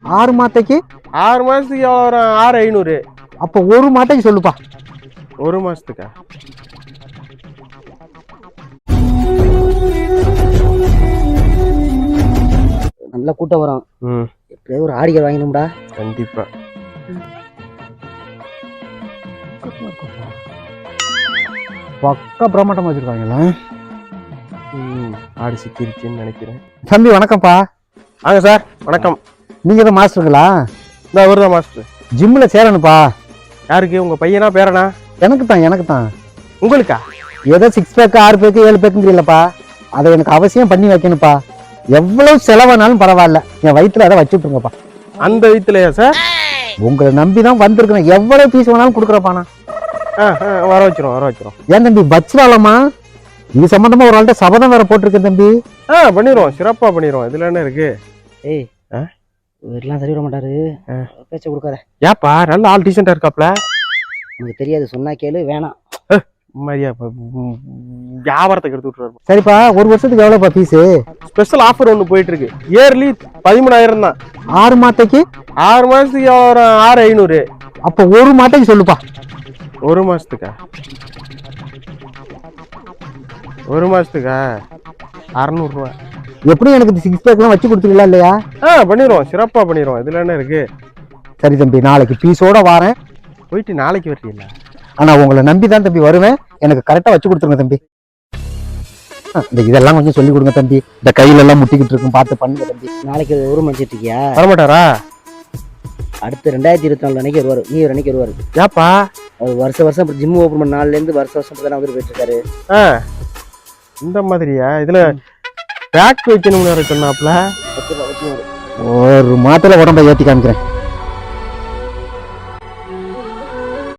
6 மாத்தைக்கு 6 மாசத்துக்கு எவ்வளோ வரும்? 6500. அப்போ ஒரு மாத்தைக்கு சொல்லுப்பா. 1 மாசத்துக்கா? நல்ல கூட்டம் வரும். எப்படியாவது ஒரு ஆடிகள் வாங்கணும்டா. கண்டிப்பா. பக்கா பிரமாட்டம் வச்சிருக்காங்கல்ல. ஆடு சிக்கிருச்சுன்னு நினைக்கிறேன். தம்பி வணக்கம்ப்பா. வாங்க சார். வணக்கம். நீங்க தான் மாஸ்டருங்களா? இந்த அவர் தான் மாஸ்டர். ஜிம்ல சேரணுப்பா. யாருக்கு? உங்க பையனா பேரனா? எனக்கு தான். உங்களுக்கா? ஏதோ 6 பேக்கு 6 பேக்கு 7 பேக்குங்கிறீங்களப்பா, அதை எனக்கு அவசியம் பண்ணி வைக்கணும்ப்பா. எவ்வளவு செலவானாலும் பரவாயில்ல, என் வயிற்றுல அதை வச்சு விட்டுருங்கப்பா. அந்த வயிற்றுலையா சார்? உங்களை நம்பி தான் வந்திருக்கிறேன். எவ்வளவு பீஸ் வேணாலும் கொடுக்குறப்பாண்ணா. வர வச்சிரும். ஏன் தம்பி பச்சுலாமா? இது சம்பந்தமா ஒரு ஆள்கிட்ட சபதம் வேற போட்டிருக்கேன் தம்பி. பண்ணிடுவோம், சிறப்பா பண்ணிடுவோம். இதுல என்ன இருக்கு? ஏய் இதெல்லாம் சரி விட மாட்டாரு, பேச்ச கொடுக்காத. ஏப்பா நல்ல ஆள் டீசெண்டா இருக்காப்ல. உனக்கு தெரியாது, சொன்னா கேளு. வேணாம் மாதிரியா வியாபாரத்துக்கு எடுத்து விட்டுருவாரு. சரிப்பா, ஒரு வருஷத்துக்கு எவ்வளவுப்பா ஃபீஸு? ஸ்பெஷல் ஆஃபர் ஒன்று போயிட்டு இருக்கு. இயர்லி 13000 தான். 6 மாத்தைக்கு? 6 மாசத்துக்கு எவ்வளோ வரும்? 6500. அப்போ ஒரு மாத்தைக்கு சொல்லுப்பா. 1 மாசத்துக்கா? 1 மாசத்துக்கா? 600 ரூபா. எப்படி எனக்கு 6 பேக்லாம் வச்சு கொடுத்துருங்களா இல்லையா? பண்ணிடுவோம், சிறப்பா பண்ணிடுவோம். இதுல என்ன இருக்கு? சரி தம்பி, நாளைக்கு பீஸோட வரேன். போயிட்டு நாளைக்கு வரீங்களா? ஆனா உங்களை நம்பி தான் தம்பி வருவேன். எனக்கு கரெக்டா வச்சு கொடுத்துருங்க தம்பி. இந்த இதெல்லாம் கொஞ்சம் சொல்லி கொடுங்க தம்பி. இந்த கையில எல்லாம் முட்டிக்கிட்டு இருக்கும், பார்த்து பண்ணுங்க தம்பி. நாளைக்கு ஒரு மணிச்சிட்டு இருக்கியா? வரமாட்டாரா? அடுத்து 2024 அன்னைக்கு வருவாரு. நீ ஒரு அன்னைக்கு வருவாரு. ஏப்பா? அவர் வருஷம் ஜிம் ஓபன் பண்ண நாள்ல இருந்து வருஷம் வந்து போயிட்டு இருக்காரு. இந்த மாதிரியா? இதுல பேக் வைக்கணும்னு சொன்னாப்ல. ஒரு மாத்திரை உடம்ப ஏத்தி காமிக்கிறேன்.